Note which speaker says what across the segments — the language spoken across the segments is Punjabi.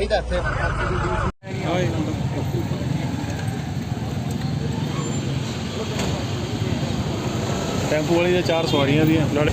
Speaker 1: ਚਾਹੀਦਾ ਇੱਥੇ।
Speaker 2: ਟੈਂਪੂ ਵਾਲੀ ਦੇ 4 ਸਵਾਰੀਆਂ ਦੀਆਂ ਨਾਲ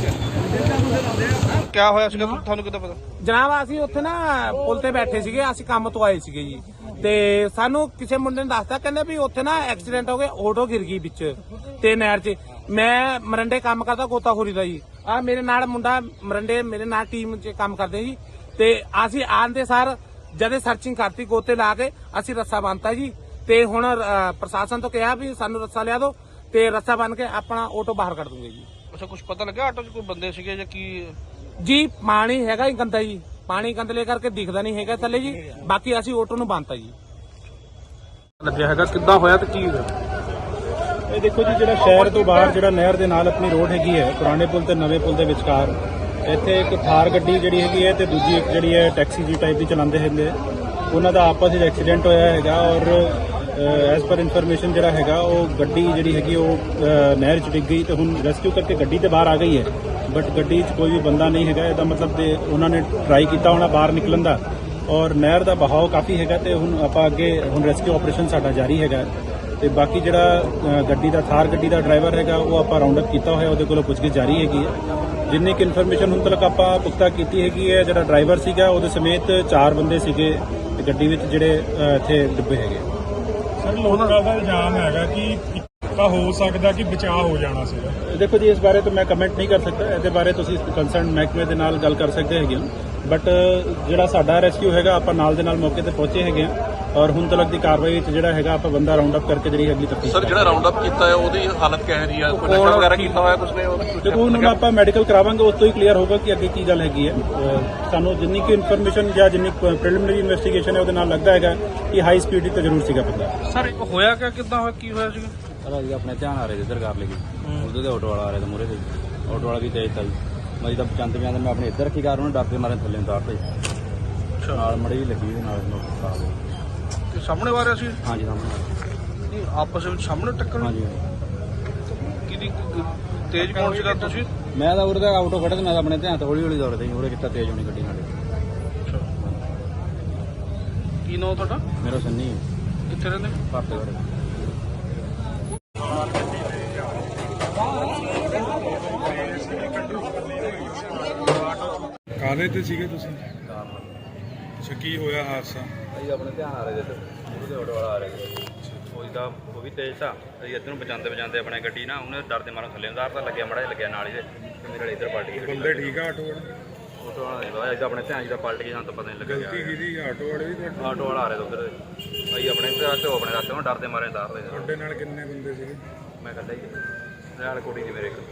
Speaker 3: ਕਿਆ ਹੋਇਆ ਸੀਗਾ ਤੁਹਾਨੂੰ ਕਿੱਦਾਂ ਪਤਾ?
Speaker 4: ਜਨਾਬ ਅਸੀਂ ਉੱਥੇ ਨਾ ਪੁਲ ਤੇ ਬੈਠੇ ਸੀਗੇ, ਅਸੀਂ ਕੰਮ ਤੋਂ ਆਏ ਸੀਗੇ ਜੀ, ਤੇ ਸਾਨੂੰ ਕਿਸੇ ਮੁੰਡੇ ਨੇ ਦੱਸਤਾ, ਕਹਿੰਦੇ ਵੀ ਉੱਥੇ ਨਾ ਐਕਸੀਡੈਂਟ ਹੋ ਗਿਆ, ਆਟੋ ਗਿਰ ਗਈ ਵਿੱਚ ਤੇ ਨਹਿਰ 'ਚ। ਮੈਂ ਮਰੰਡੇ ਕੰਮ ਕਰਦਾ ਗੋਤਾਖੋਰੀ ਦਾ ਜੀ, ਆ ਮੇਰੇ ਨਾਲ ਮੁੰਡਾ ਮਰੰਡੇ ਮੇਰੇ ਨਾਲ ਟੀਮ 'ਚ ਕੰਮ ਕਰਦੇ ਜੀ, ਤੇ ਅਸੀਂ ਆਂਦੇ ਸਾਰ ਜਦੇ ਸਰਚਿੰਗ ਕਰਤੀ, ਗੋਤੇ ਲਾ ਕੇ ਅਸੀਂ ਰੱਸਾ ਬੰਨਤਾ ਜੀ, ਤੇ ਹੁਣ ਪ੍ਰਸ਼ਾਸਨ ਤੋਂ ਕਿਹਾ ਵੀ ਸਾਨੂੰ ਰੱਸਾ ਲਿਆ ਦਿਓ ਤੇ ਰੱਸਾ ਬੰਨ ਕੇ ਆਪਣਾ ਆਟੋ ਬਾਹਰ ਕੱਢ ਦੂੰਗੇ ਜੀ।
Speaker 3: ਅੱਛਾ, ਕੁਝ ਪਤਾ ਲੱਗਿਆ ਆਟੋ 'ਚ ਕੋਈ ਬੰਦੇ ਸੀਗੇ ਜਾਂ ਕੀ?
Speaker 4: ਜੀ ਪਾਣੀ ਹੈਗਾ ਹੀ ਗੰਦਾ ਜੀ, ਪਾਣੀ ਗੰਦਲੇ ਕਰਕੇ ਦਿਖਦਾ ਨਹੀਂ ਹੈਗਾ ਥੱਲੇ ਜੀ, ਬਾਕੀ ਅਸੀਂ ਆਟੋ ਨੂੰ ਬੰਨਤਾ ਜੀ।
Speaker 3: ਲੱਗਿਆ ਹੈਗਾ ਕਿੱਦਾਂ ਹੋਇਆ ਤੇ ਕੀ ਹੋਇਆ?
Speaker 2: ਇਹ ਦੇਖੋ ਜੀ, ਜਿਹੜਾ ਸ਼ਹਿਰ ਤੋਂ ਬਾਹਰ ਜਿਹੜਾ ਨਹਿਰ ਦੇ ਨਾਲ ਆਪਣੀ ਰੋਡ ਹੈਗੀ ਹੈ, ਪੁਰਾਣੇ ਪੁਲ ਤੇ ਨਵੇਂ ਪੁਲ ਦੇ ਵਿਚਕਾਰ, ਇੱਥੇ ਇੱਕ ਥਾਰ ਗੱਡੀ ਜਿਹੜੀ ਹੈਗੀ ਹੈ ਤੇ ਦੂਜੀ ਇੱਕ ਜਿਹੜੀ ਹੈ ਟੈਕਸੀ ਜੀ ਟਾਈਪ ਦੀ ਚਲਾਉਂਦੇ ਹੈਗੇ, ਉਹਨਾਂ ਦਾ ਆਪਸ ਵਿੱਚ ਐਕਸੀਡੈਂਟ ਹੋਇਆ ਹੈਗਾ। ਔਰ ਐਸ ਪਰ ਇਨਫੋਰਮੇਸ਼ਨ ਜਿਹੜਾ ਹੈਗਾ, ਉਹ ਗੱਡੀ ਜਿਹੜੀ ਹੈਗੀ ਉਹ ਨਹਿਰ 'ਚ ਡਿੱਗ ਗਈ, ਤੇ ਹੁਣ ਰੈਸਕਿਊ ਕਰਕੇ ਗੱਡੀ ਤੇ ਬਾਹਰ ਆ ਗਈ ਹੈ, ਬਟ ਗੱਡੀ 'ਚ ਕੋਈ ਵੀ ਬੰਦਾ ਨਹੀਂ ਹੈਗਾ। ਇਹਦਾ ਮਤਲਬ ਤੇ ਉਹਨਾਂ ਨੇ ਟਰਾਈ ਕੀਤਾ ਹੋਣਾ ਬਾਹਰ ਨਿਕਲਣ ਦਾ, ਔਰ ਨਹਿਰ ਦਾ ਬਹਾਓ ਕਾਫੀ ਹੈਗਾ, ਤੇ ਹੁਣ ਆਪਾਂ ਅੱਗੇ ਹੁਣ ਰੈਸਕਿਊ ਆਪਰੇਸ਼ਨ ਸਾਡਾ ਜਾਰੀ ਹੈਗਾ। ਤੇ ਬਾਕੀ ਜਿਹੜਾ ਗੱਡੀ ਦਾ ਥਾਰ ਗੱਡੀ ਦਾ ਡਰਾਈਵਰ ਹੈਗਾ, ਉਹ ਆਪਾਂ ਰਾਉਂਡ ਅਪ ਕੀਤਾ ਹੋਇਆ, ਉਹਦੇ ਕੋਲੋਂ ਪੁੱਛਗਿੱਛ ਜਾਰੀ ਹੈਗੀ ਹੈ। ਜਿੰਨੀ ਕਿ ਇਨਫੋਰਮੇਸ਼ਨ ਹੁਣ ਤੱਕ ਆਪਾਂ ਪੁਖਤਾ ਕੀਤੀ ਹੈਗੀ ਹੈ, ਜਿਹੜਾ ਡਰਾਈਵਰ ਸੀਗਾ ਉਹਦੇ ਸਮੇਤ 4 ਬੰਦੇ ਸੀਗੇ ਤੇ ਗੱਡੀ ਵਿੱਚ ਜਿਹੜੇ ਇੱਥੇ ਡੁੱਬੇ ਹੈਗੇ।
Speaker 5: ਸਰ, ਲੋਕਾਂ ਦਾ ਇਲਜ਼ਾਮ ਹੈਗਾ ਕਿ ਤਾਂ ਹੋ ਸਕਦਾ ਕਿ ਬਚਾਅ ਹੋ ਜਾਣਾ ਸੀ।
Speaker 2: ਦੇਖੋ ਜੀ, ਇਸ ਬਾਰੇ ਤਾਂ ਮੈਂ ਕਮੈਂਟ ਨਹੀਂ ਕਰ ਸਕਦਾ, ਇਹਦੇ ਬਾਰੇ ਤੁਸੀਂ ਕੰਸਰਨ ਮਹਿਕਮੇ ਦੇ ਨਾਲ ਗੱਲ ਕਰ ਸਕਦੇ ਹੈਗੇ ਹੋ, ਬਟ ਜਿਹੜਾ ਸਾਡਾ ਰੈਸਕਿਊ ਹੈਗਾ, ਆਪਾਂ ਨਾਲ ਦੇ ਨਾਲ ਮੌਕੇ ਤੇ ਪਹੁੰਚੇ ਹੈਗੇ ਆ, ਔਰ ਹੁਣ ਤੱਕ ਦੀ ਕਾਰਵਾਈ ਵਿੱਚ ਜਿਹੜਾ ਹੈਗਾ ਆਪਾਂ ਬੰਦਾ ਰਾਉਂਡ ਅਪ ਕਰਕੇ ਜਿਹੜੀ ਅਗਲੀ ਤਫਤੀਸ਼।
Speaker 3: ਸਰ, ਜਿਹੜਾ ਰਾਉਂਡ ਅਪ ਕੀਤਾ ਹੈ ਉਹਦੀ ਹਾਲਤ ਕਿਹੋ ਜਿਹੀ ਆ? ਕੋਈ ਨਸ਼ਾ ਵਗੈਰਾ ਕੀਤਾ ਹੋਇਆ ਕੁਝ ਨੇ?
Speaker 2: ਦੇਖੋ ਹੁਣ ਆਪਾਂ ਮੈਡੀਕਲ ਕਰਾਵਾਂਗੇ, ਉਸ ਤੋਂ ਹੀ ਕਲੀਅਰ ਹੋਗਾ ਕਿ ਅੱਗੇ ਕੀ ਗੱਲ ਹੈਗੀ ਹੈ। ਸਾਨੂੰ ਜਿੰਨੀ ਕਿ ਇਨਫੋਰਮੇਸ਼ਨ ਜਾਂ ਜਿੰਨੀ ਪ੍ਰੀਲਿਮਿਨਰੀ ਇਨਵੈਸਟੀਗੇਸ਼ਨ ਹੈ ਉਹਦੇ ਨਾਲ ਲੱਗਦਾ ਹੈਗਾ ਕਿ ਹਾਈ ਸਪੀਡ ਤੇ ਜ਼ਰੂਰ ਸੀਗਾ ਬੰਦਾ।
Speaker 3: ਸਰ, ਹੋਇਆ ਕਿੱਦਾਂ ਹੋਇਆ, ਕੀ ਹੋਇਆ ਸੀਗਾ?
Speaker 6: ਅਸੀਂ ਆਪਣੇ ਧਿਆਨ ਆ ਰਹੇ ਇੱਧਰ ਕਰ ਲਈ ਉਹਦੇ ਆਟੋ ਵਾਲਾ ਆ ਰਿਹਾ ਮੂਹਰੇ ਤੇ, ਆਟੋ ਵਾਲਾ ਵੀ ਤੇਜ਼ ਤਾ ਜੀ। ਮੈਂ ਤਾਂ ਚੰਦ ਪਿਆ ਮੈਂ ਆਪਣੇ ਇੱਧਰ ਰੱਖੀ ਕਾਰ, ਉਹਨੇ ਡਰ ਕੇ ਮਾਰੇ ਥੱਲੇ ਉਤਾਰਤੇ, ਨਾਲ ਮੜੀ ਵੀ ਲੱਗੀ ਉਹਦੇ ਨਾਲ।
Speaker 3: ਤੇ ਸਾਹਮਣੇ ਆ ਰਿਹਾ ਸੀ?
Speaker 6: ਹਾਂਜੀ ਸਾਹਮਣੇ।
Speaker 3: ਆਪਸ ਵਿੱਚ ਸਾਹਮਣੇ ਟੱਕਰ?
Speaker 6: ਹਾਂਜੀ।
Speaker 3: ਕਿਹਦੀ ਤੇਜ਼ ਕੌਣ ਸੀਗਾ? ਤੁਸੀਂ?
Speaker 6: ਮੈਂ ਤਾਂ ਉਰੇ ਦਾ ਆਟੋ ਖੜਾ ਤੇ ਮੈਂ ਤਾਂ ਆਪਣੇ ਧਿਆਨ ਤੋਂ ਹੌਲੀ ਹੌਲੀ ਦੌੜਦਾ ਜੀ, ਉਰੇ ਕਿੱਤਾ ਤੇਜ਼ ਹੋਣੀ ਗੱਡੀ ਨਾਲੇ।
Speaker 3: ਕੀ ਨਾਮ ਤੁਹਾਡਾ?
Speaker 6: ਮੇਰਾ ਸੰਨੀ
Speaker 3: ਕਿੱਥੇ ਰਹਿੰਦੇ?
Speaker 6: ਭਾਰਤੇ ਘਰੇ।
Speaker 5: ਕਾਹਦੇ ਤੇ ਸੀਗੇ ਤੁਸੀਂ? ਅੱਛਾ, ਕੀ ਹੋਇਆ ਹਾਦਸਾ?
Speaker 6: ਅਸੀਂ ਆਪਣੇ ਧਿਆਨ ਆ ਰਹੇ ਇੱਧਰ, ਉਹਦੇ ਆਟੋ ਵਾਲਾ ਆ ਰਿਹਾ ਸੀ, ਉਹ ਵੀ ਤੇਜ਼ ਤਾਂ ਅਸੀਂ ਇੱਧਰ ਨੂੰ ਬਚਾਉਂਦੇ ਆਪਣੇ ਗੱਡੀ ਨਾ, ਉਹਨੇ ਡਰ ਦੇ ਮਾਰਨ ਥੱਲੇ ਉਤਾਰਤਾ, ਲੱਗਿਆ ਮਾੜਾ ਜਿਹਾ ਲੱਗਿਆ ਨਾਲ ਹੀ, ਤੇ ਮੇਰੇ ਨਾਲ ਇੱਧਰ ਪਲਟ ਗਈ।
Speaker 5: ਬੰਦੇ ਠੀਕ ਆ ਆਟੋ ਵਾਲੇ?
Speaker 6: ਆਟੋ ਵਾਲਾ ਨਹੀਂ ਪਤਾ, ਆਪਣੇ ਧਿਆਨ ਜਿਹਦਾ ਪਲਟ ਗਈ, ਸਾਨੂੰ ਤਾਂ ਪਤਾ ਨਹੀਂ ਲੱਗਿਆ।
Speaker 5: ਗਲਤੀ ਕਿਹਦੀ? ਆਟੋ ਵਾਲੇ ਦੀ?
Speaker 6: ਆਟੋ ਵਾਲਾ ਆ ਰਿਹਾ ਉਧਰ, ਅਸੀਂ ਆਪਣੇ ਇੱਧਰ ਤੇ ਉਹ ਆਪਣੇ ਰਾਤੇ ਨੂੰ ਡਰਦੇ ਮਾਰੇ ਉਤਾਰ ਲਏ।
Speaker 5: ਤੁਹਾਡੇ ਨਾਲ ਕਿੰਨੇ ਬੰਦੇ ਸੀਗੇ?
Speaker 6: ਮੈਂ ਕੱਢਿਆ ਹੀ ਨਾਲ ਕੁੜੀ ਦੀ ਮੇਰੇ ਇੱਕ।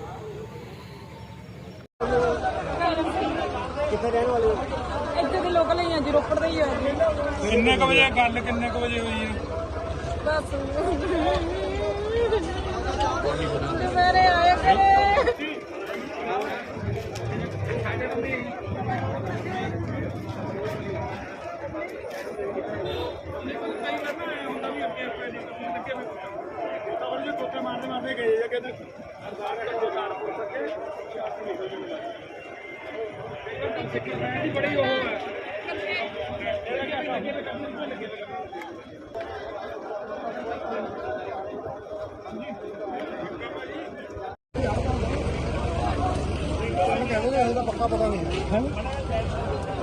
Speaker 1: ਕਿੱਥੇ ਰਹਿਣ ਵਾਲੇ ਹੋ?
Speaker 7: ਇੱਥੇ ਦੇ ਲੋਕਲ ਹੀ ਆ ਜੀ, ਰੋਪੜ ਦੇ ਹੀ ਆ ਜੀ।
Speaker 5: ਕਿੰਨੇ ਕੁ ਵਜੇ ਗੱਲ, ਕਿੰਨੇ ਕੁ ਵਜੇ ਹੋਈ ਹੈ?
Speaker 7: ਬਸ ਦੁਪਹਿਰੇ ਆਏ ਕਰੇ।
Speaker 5: ਮਾਰਦੇ ਗਏ ਆ ਕਹਿੰਦੇ ਬੜੀ ਉਹ ਹੈ।
Speaker 1: ਪੱਕਾ ਪਤਾ ਨਹੀਂ।